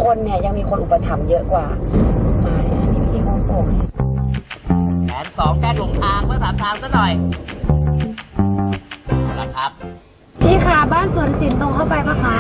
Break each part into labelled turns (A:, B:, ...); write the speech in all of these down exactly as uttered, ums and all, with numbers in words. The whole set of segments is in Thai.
A: คนเนี่ยยังมีคนอุปถัมภ์เยอะกว่ามาเนี่ยนี่พี่งงโป่ง
B: แผนสองแจ้งหลงทางเพื่อถามทางซะหน่อยเอาละครับ
A: พี่คะบ้านสวนสินตรงเข้าไปปะคะ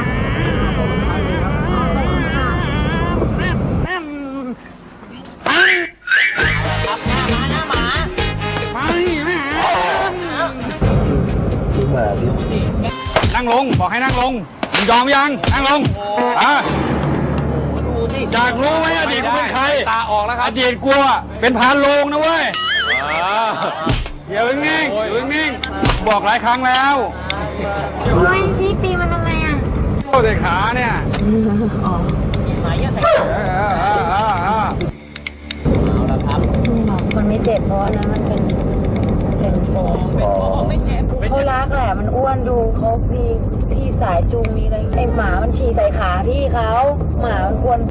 C: นั่งลงบอกให้นั่งลงมึงยอมยังนั่งลงอ่ะอยากรู้ไหมอดีตกูเป็นใครตาออกแล้วครับอดีตกูเป็นพานโลงนะเว้ยเดี๋ยวนิ่งๆอยู่นิ่งๆบอกหลายครั้งแล้ว
A: ทำไมพี่ตีมันทำไมอ่ะ
C: โอ้ใส่ขาเนี่ย
A: อ๋อ
B: หมายใส่ขาเอาละครับ
A: มันไม่เจ็บเพราะนั้นมันเป็นเป็นโฟม
B: ไม่เจ็บ
A: เขารักแหละมันอ้วนดูเขามีที่สายจูงมีอะไรไอหมามันฉี่ใส่ขาพี่เขาหมามันควร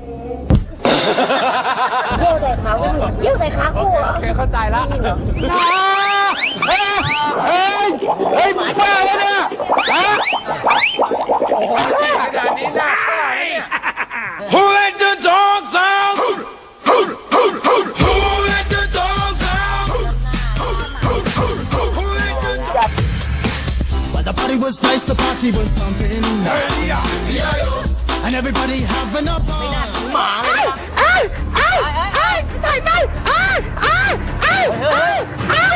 A: เยี่ยวใส่ขาคู่เยี่ยวใส่ขาคู่เหรอ
C: เข้าใจละเฮ้ยเฮ้ยเฮ้ยหมาบ้าแล้วเนี่ยฮะขนาดนี้น่าเท่าไหร่เนี่ย Who let the dogs out Who let the dogs out Who let the dogs
D: But the party was nice, the party was pumping And everybody having a ball
B: หมาเลยเอ้ยเอ้ยเอ้ยใส่ไปเอ้ยเอ้ยเอ้ยเอ้ยเอ้ย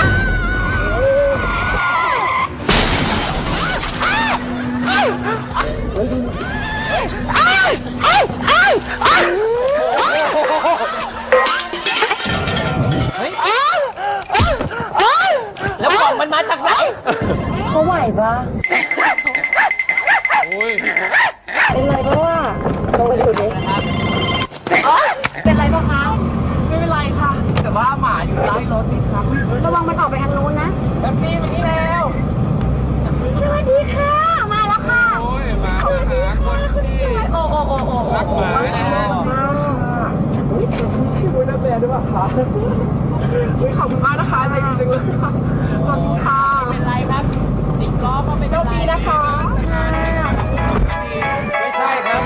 B: แล้วกล่องมันมาจากไหน
A: เขาไหวปะเป็นไรเพราะว่าลงไปดูดิเป็นไรปะคะไม่เป็นไรค่ะแต่ว่าหมาอยู่ใต้รถนี่ครับระวังมันออกไปทางนู้นนะแบบนี้แบบนี้แล้วสวัสดีค่ะมาแล้วค่ะสวัสดีค่ะคุณสวยโอ้โอ้โอ้โอ้รักหมาอุ้ยชื่อคุณน้าแม่ด้วยป่ะคะอุ้ยขอบคุณมากนะคะใจดีจังเลยค่ะขอบคุณค่ะ
B: เป็นไรครับสิบล้อก็ไม่เป็นไร
A: นะคะ
C: ไม่ใช่ครับ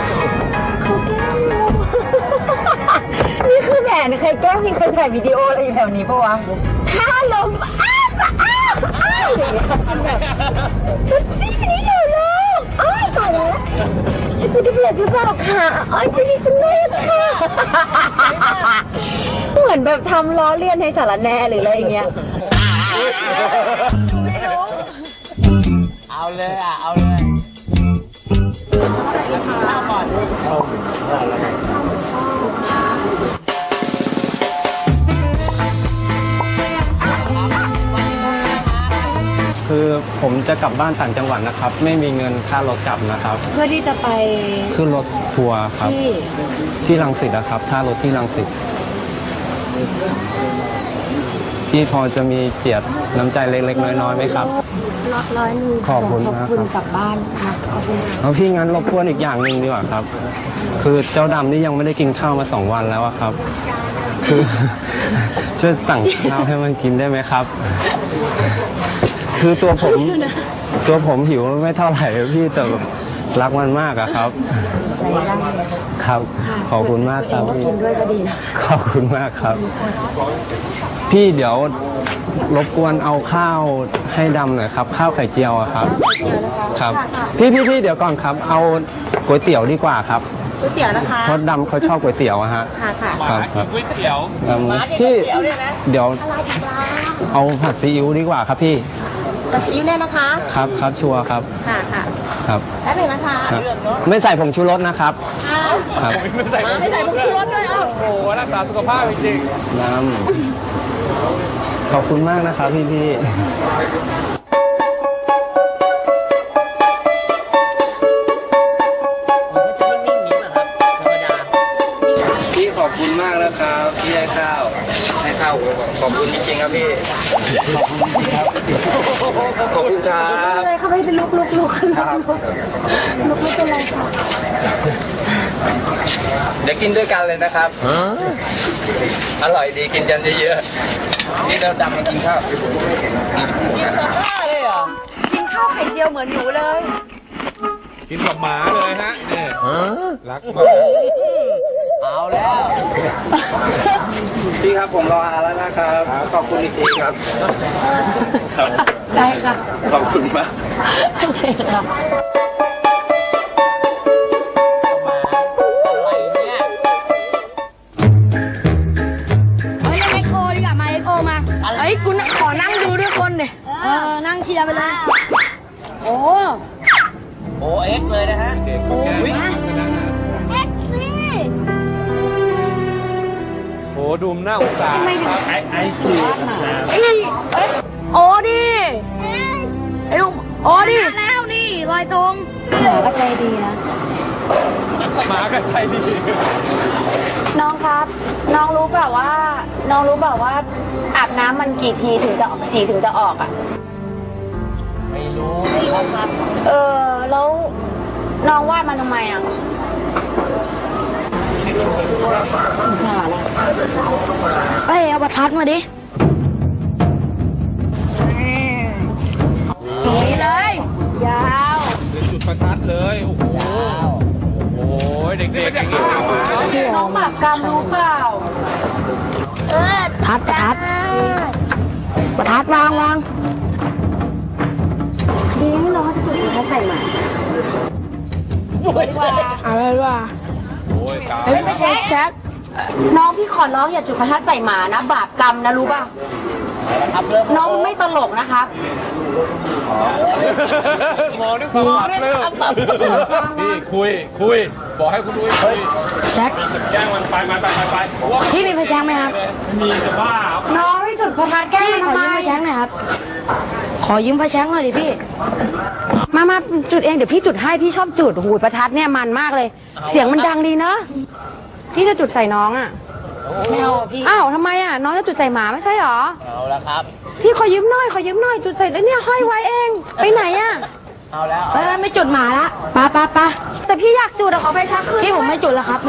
A: นี่คือแหวนใครแกล้งมีคนถ่ายวิดีโออะไรอยู่แถวนี้ปะวะถ้าลมอ้าวอ้าวอ้าวอย่างเงี้ยมันแบบซี่นี่หนูลูกอ้าวตายแล้วฉันไม่ได้เบียดหรือเปล่าค่ะอ้อยจะดีจังเลยค่ะเหมือนแบบทำล้อเลียนให้สารแน่หรืออะไรอย่างเงี้ย
B: เอาเลยอ่ะเอาเลยข้าวก่อน
E: คือผมจะกลับบ้านต่างจังหวัดนะครับไม่มีเงินค่ารถกลับนะครับ
A: เพื่อที่จะไป
E: ขึ้นรถทัวร์ครับที่ที่รังสิตนะครับท่ารถที่รังสิตพี่พอจะมีเจียดน้ำใจเล็กๆน้อยๆไหมครับ
A: ร้อยนึง
E: ขอบคุณนะครับ
A: ขอบคุณกลับบ้านนะขอบคุณ
E: แล้วพี่งั้นรบกวนอีกอย่างหนึ่งดีกว่าครับคือเจ้าดำนี่ยังไม่ได้กินข้าวมาสองวันแล้วครับคือช่วยสั่งข้าวให้มันกินได้ไหมครับคือตัวผมตัวผมหิวไม่เท่าไหร่พี่แต่รักมันมากอะครับครับขอบคุณมากครับ
A: กินด้วยก็ดีนะ
E: ขอบคุณมากครับพี่เดี๋ยวรบกวนเอาข้าวให้ดำหน่อยครับข้าวไข่เจียวอะครับครับพี่พี่พี่เดี๋ยวก่อนครับเอาก๋วยเตี๋ยวดีกว่าครับ
A: ก๋วยเตี๋ยวนะคะ
E: เพราะดำเขาชอบก๋วยเตี๋ยวอะฮะ
A: ค่ะค่ะ
E: ครับ
C: ครับก๋วยเตี๋ยว
E: พี่เดี๋ยวเอาผัดซีอิ๊วดีกว่าครับพี่
A: ผัดซีอิ๊วเนี่ยนะคะ
E: ครับครับชัวร์ครับ
A: ค่ะค่ะ
E: ครับ
A: แป๊บนึงนะคะ
E: ไม่ใส่ผงชูรสนะครับครับ
C: ไม่ใส่
A: ไม่ใส่ผงชูรสด้วยอ้าว
C: โอ้โหรักษาสุขภาพจริง
E: ๆน้ำขอบคุณมากนะครับพี่พี่พี่ขอบคุณมากนะครับที่ให้ข้าวให้ข้าวขอบคุณจริงๆครับพี่ขอบคุณครับขอบคุณครับ
A: อะไรเขาไม่เป็นลุกลุกลุกลุกลุกลุกเป็นไรคะ
E: เดี๋ยวกินด้วยกันเลยนะครับอร่อยดีกินกันเยอะๆนี่เราดำมากินข้าวกิน
B: กับข้าวเลยเหรอ
A: กินข้าวไข่เจียวเหมือนหนูเลย
F: กินกับหมาเลยฮะเนี่ยรักมาก
B: เอาแล้ว
E: พี่ครับผมรออาแล้วนะครับ ขอบคุณอีกทีครับ
A: ได้ค่ะ
E: ขอบคุณมาก
A: โอเคค่ะ
B: อะไรเนี่ย
G: เฮ้ยเล่นเอ็กโอดีกว่ามาเอ็กโอมา
A: เอ้ยกูขอนั่งดูด้วยคนดิ
G: เออ นั่งเชียร์ไปเลย โอ้
B: โอเอ็กเลยนะฮะ
F: เด็กก็แก้มากนะฮะ
G: เอ็กซี่
F: โอ้ดูมหน้าอุตสาห์ครับไอ้ไอ้
A: เอ้ยเอ้ยโอ้ดิไอ้ลุงโอ้ดิ
G: มาแล้วนี่ลอยตรง
A: หมาก็ใจดีนะ
F: หมาก็ใจดี
A: น้องครับ น้องรู้เปล่าว่า น้องรู้เปล่าว่า อาบน้ำมันกี่ทีถึงจะออกสีถึงจะออกอ่ะ
B: ไม่รู้ไม่รู้ครับ
A: เออ แล้วน้องวาดมันทำไมอ่ะสงสารอ่ะ
G: เฮ้ย เอาประทัดมาดินี่เลย
A: ยาว
F: เป็นจุดประทัดเลย โอ้โห โอ้โห เด็กๆอย่างนี้เอามาเนี่ย
A: น้องบาปกรรมรู้เปล่า
G: เออทัดประทัด ประทัดวางวาง
A: ดีไม่น้องจะจุดประทัดใส่หมา
G: อะไรวะ
F: โอ้ยตาย
G: เฮ้ยไม่ใช่แช็ค
A: น้องพี่ขอร้องอย่าจุดประทัดใส่หมานะ บาปกรรมนะรู้ป่ะ น้องไม่ตลกนะครับ
F: มองด้วยความปรับเริ่มนี่คุย คุย บอกให้คุณดุ้ยคุย
G: แช็ค
F: แจ้งมันไปไปไปไปไปเพราะว่า
G: พี่มีไฟแช็คไหมครับ
F: ไม่มีจะบ้า
A: น้องไม่จุดประทัดแกล้
G: พี่
A: ง
G: ขอ
A: ทำไม
G: ยืมไฟแช็คหน่อยครับ ขอยืมไฟแช็คหน่อยดิพี่
A: มามาจุดเองเดี๋ยวพี่จุดให้พี่ชอบจุดหูยประทัดเนี่ยมันมากเลย เสียงมันดังดีเนอะพี่จะจุดใส่น้องอ่ะ
G: ไม่เอาอะพี่
A: อ้าวทำไมอ่ะน้องจะจุดใส่หมาไม่ใช่หรอ
B: เอาแล้วครับ
A: พี่ขอยืมหน่อยขอยืมหน่อยจุดใส่แล้วเนี่ยห้อยไว้เอง ไปไหนอ่ะ
B: เอาแล้ว
G: เออไม่จุดหมาละปะปะปะ
A: แต่พี่อยากจุดอะขอไฟชักคืน
G: พี่ผมไม่จุดแล้วครับ